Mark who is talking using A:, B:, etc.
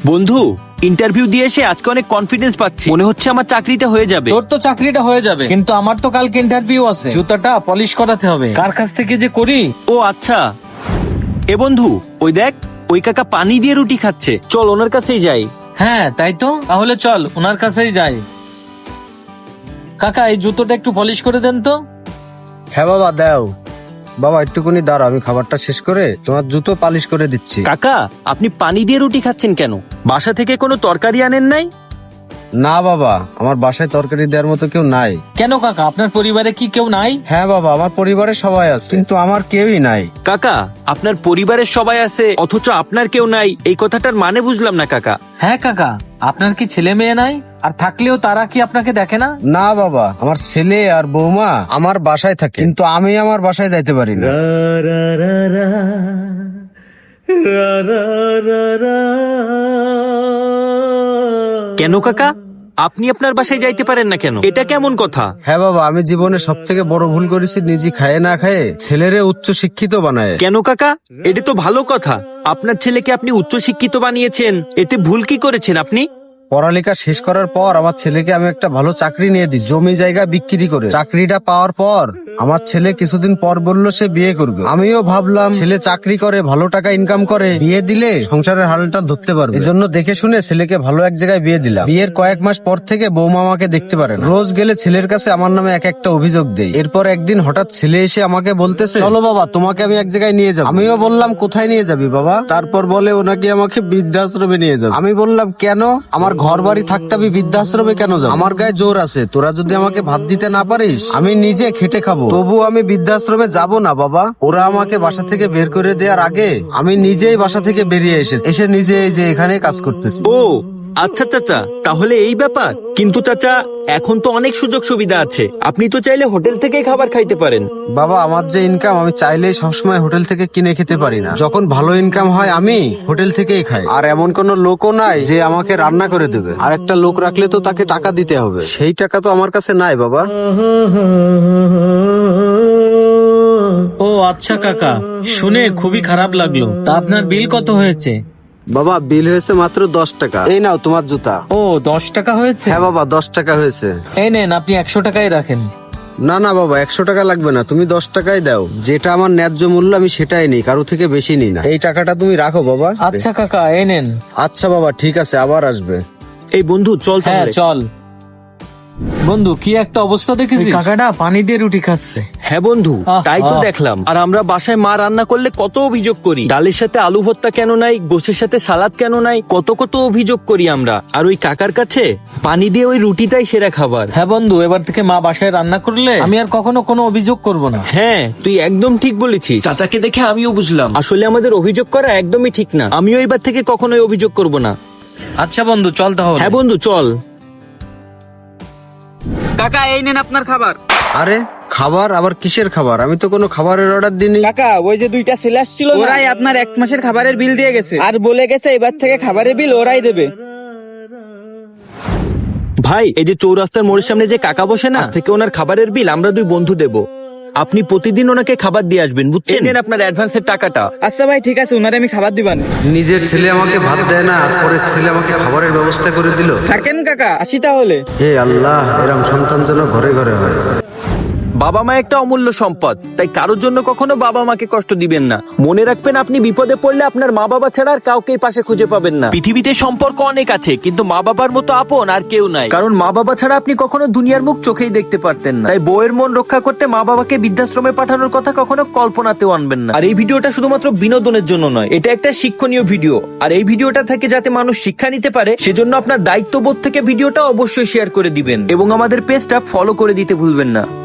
A: বন্ধু, ইন্টারভিউ দিয়ে এসে আজকে অনেক কনফিডেন্স পাচ্ছি, মনে হচ্ছে আমার চাকরিটা হয়ে যাবে।
B: তোর তো চাকরিটা হয়ে যাবে, কিন্তু আমার তো কালকে ইন্টারভিউ আছে, জুতাটা পলিশ করাতে হবে। কার কাছ থেকে যে করি।
A: ও আচ্ছা, এ বন্ধু ওই দেখ, ওই কাকা পানি দিয়ে রুটি খাচ্ছে, চল ওনার কাছেই যাই।
B: হ্যাঁ তাই তো, তাহলে চল ওনার কাছেই যাই। কাকা এই জুতোটা একটু পলিশ করে দেন তো।
C: হ্যাঁ বাবা দাও। বাবা একটুকুনি দাঁড়াও, আমি খাবারটা শেষ করে তোমার জুতো পালিশ করে দিচ্ছি।
A: কাকা, আপনি পানি দিয়ে রুটি খাচ্ছেন কেন? বাসা থেকে কোনো তরকারি আনেন নাই?
C: না বাবা, আমার বাসায় তরকারি দেওয়ার মতো কেউ নাই।
B: কেন কাকা, আপনার পরিবারে কি কেউ নাই?
C: হ্যাঁ বাবা, আমার পরিবারে সবাই আছে, কিন্তু আমার কেউই নাই।
A: কাকা, আপনার পরিবারের সবাই আছে অথচ আপনার কেউ নাই, এই কথাটার মানে বুঝলাম না কাকা।
B: হ্যাঁ কাকা, আপনার কি ছেলে মেয়ে নাই? আর থাকলেও তারা কি আপনাকে দেখে না?
C: না বাবা, আমার ছেলে আর বৌমা আমার বাসায় থাকে, কিন্তু আমি আমার বাসায় যাইতে পারি না।
A: কেন কাকা, আপনি আপনার বাসায় যাইতে পারেন না কেন? এটা কেমন কথা?
C: হ্যাঁ বাবা, আমি জীবনে সব থেকে বড় ভুল করেছি, নিজে খায়ে না খায়ে ছেলেরে উচ্চ শিক্ষিত বানায়।
A: কেন কাকা, এটা তো ভালো কথা। আপনার ছেলেকে আপনি উচ্চ শিক্ষিত বানিয়েছেন, এতে ভুল কি করেছেন আপনি?
C: পড়ালেখা শেষ করার পর আমার ছেলেকে আমি একটা ভালো চাকরি নিয়ে দিই, জমি জায়গা বিক্রি করে। চাকরিটা পাওয়ার পর আমার ছেলে কিছুদিন পর বলল সে বিয়ে করবে। আমিও ভাবলাম ছেলে চাকরি করে, ভালো টাকা ইনকাম করে, বিয়ে দিলে সংসারের হালটা ধরতে পারবে। এজন্য দেখে শুনে ছেলেকে ভালো এক জায়গায় বিয়ে দিলাম। বিয়ের কয়েক মাস পর থেকে বৌমা আমাকে দেখতে পারে না। রোজ গেলে ছেলের কাছে আমার নামে এক একটা অভিযোগ দেয়। এরপর একদিন হঠাৎ ছেলে এসে আমাকে বলতেছে, চলো বাবা তোমাকে আমি এক জায়গায় নিয়ে যাবো। আমিও বললাম কোথায় নিয়ে যাবি বাবা? তারপর বলে ওনাকে আমাকে বৃদ্ধাশ্রমে নিয়ে যাবে। আমি বললাম কেন? আমার ঘর বাড়ি থাকতে আমি বৃদ্ধাশ্রমে কেন যাবো? আমার গায়ে জোর আছে, তোরা যদি আমাকে ভাত দিতে না পারিস আমি নিজে খেটে খাবো, তবু আমি বৃদ্ধাশ্রমে যাব না বাবা। ওরা আমাকে বাসা থেকে বের করে দেওয়ার আগে আমি নিজেই বাসা থেকে বেরিয়ে এসে নিজে এই যে এখানে কাজ করতেছি।
A: ও আচ্ছা চাচা, তাহলে এই ব্যাপার। কিন্তু চাচা, এখন তো অনেক সুযোগ সুবিধা আছে, আপনি তো চাইলে হোটেল থেকেই খাবার খাইতে পারেন।
C: বাবা আমার যে ইনকাম, আমি চাইলেই সবসময় হোটেল থেকে কিনে খেতে পারি না। যখন ভালো ইনকাম হয় আমি হোটেল থেকেই খাই। আর এমন কোন লোকও নাই যে আমাকে রান্না করে দেবে। আর একটা লোক রাখলে তো তাকে টাকা দিতে হবে, সেই টাকা তো আমার কাছে নাই বাবা।
B: ও আচ্ছা কাকা, শুনে খুবই খারাপ লাগলো। তা আপনার বিল কত হয়েছে?
C: বাবা বিল হয়েছে মাত্র 10 টাকা। এই নাও তোমার জুতা।
B: ও 10 টাকা হয়েছে?
C: হ্যাঁ বাবা 10 টাকা হয়েছে।
B: এই নেন, আপনি 100 টাকাই রাখেন।
C: না না বাবা, 100 টাকা লাগবে না, তুমি 10 টাকাই দাও। যেটা আমার ন্যায্য মূল্য আমি সেটাই নিই, কারো থেকে বেশি নিই না। এই টাকাটা তুমি রাখো বাবা।
B: আচ্ছা কাকা, এই নেন।
C: আচ্ছা বাবা ঠিক আছে, আবার আসবে।
A: এই বন্ধু চল
B: হ্যাঁ
A: তাহলে।
B: চল। বন্ধু কি একটা অবস্থা দেখেছিস? ওই কাকাটা পানি দিয়ে রুটি খাচ্ছে।
A: হ্যাঁ বন্ধু, তাই তো দেখলাম। আর আমরা বাসায় মা রান্না করলে কত অভিযোগ করি, ডালের সাথে আলু ভর্তা কেন নাই, গোশের সাথে সালাদ কেন নাই, কত কত অভিযোগ করি আমরা। আর ওই কাকার কাছে পানি দিয়ে ওই রুটিটাই সেরা খাবার।
B: হ্যাঁ বন্ধু, এবার থেকে মা বাসায় রান্না করলে আমি আর কখনো কোনো অভিযোগ করব না।
A: হ্যাঁ তুই একদম ঠিক বলেছিস। চাচাকে দেখে আমিও বুঝলাম আসলে আমাদের অভিযোগ করা একদমই ঠিক না। আমিও এবার থেকে কখনোই অভিযোগ করব না।
B: আচ্ছা বন্ধু চল তাহলে।
A: হ্যাঁ বন্ধু চল। কাকা এই নেন আপনার খাবার।
C: আরে খাবার? আবার কিসের খাবার? আমি তো কোনো খাবারের অর্ডার দিইনি।
D: কাকা, ওই যে দুইটা ছেলে আসছিল, ওরাই আপনার 1 মাসের খাবারের বিল দিয়ে গেছে, আর বলে গেছে এবার থেকে খাবারের বিল ওরাই দেবে।
A: ভাই, এই যে চৌরাস্তার মোড়ের সামনে যে কাকা বসে না, আজ থেকে ওনার খাবারের বিল আমরা 2 বন্ধু দেব। আপনি প্রতিদিন ওনাকে খাবার দিয়ে আসবেন, বুঝছেন? এই নেন আপনার অ্যাডভান্সের টাকাটা।
D: আচ্ছা ভাই ঠিক আছে, ওনারে আমি খাবার দিবানে।
C: নিজের ছেলে আমাকে ভাত দেয় না, আর পরের ছেলে আমাকে খাবারের ব্যবস্থা করে দিল।
D: থাকেন কাকা, আসি তাহলে।
C: হে আল্লাহ, এরম সন্তান যেন ঘরে ঘরে হয়।
A: বাবা মা একটা অমূল্য সম্পদ, তাই কারোর জন্য কখনো বাবা মাকে কষ্ট দিবেন না। মনে রাখবেন, আপনি বিপদে পড়লে আপনার মা বাবা ছাড়া আর কাউকে পাশে খুঁজে পাবেন না। পৃথিবীতে সম্পর্ক অনেক আছে, কিন্তু মা বাবার মতো আপন আর কেউ নাই। কারণ মা বাবা ছাড়া আপনি কখনো দুনিয়ার মুখ চোখেই দেখতে পারতেন না। তাই বউয়ের মন রক্ষা করতে মা বাবাকে বৃদ্ধাশ্রমে পাঠানোর কথা কখনো কল্পনাতেও আনবেন না। আর এই ভিডিওটা শুধুমাত্র বিনোদনের জন্য নয়, এটা একটা শিক্ষণীয় ভিডিও। আর এই ভিডিওটা থেকে যাতে মানুষ শিক্ষা নিতে পারে, সেজন্য আপনার দায়িত্ববোধ থেকে ভিডিওটা অবশ্যই শেয়ার করে দিবেন এবং আমাদের পেজটা ফলো করে দিতে ভুলবেন না।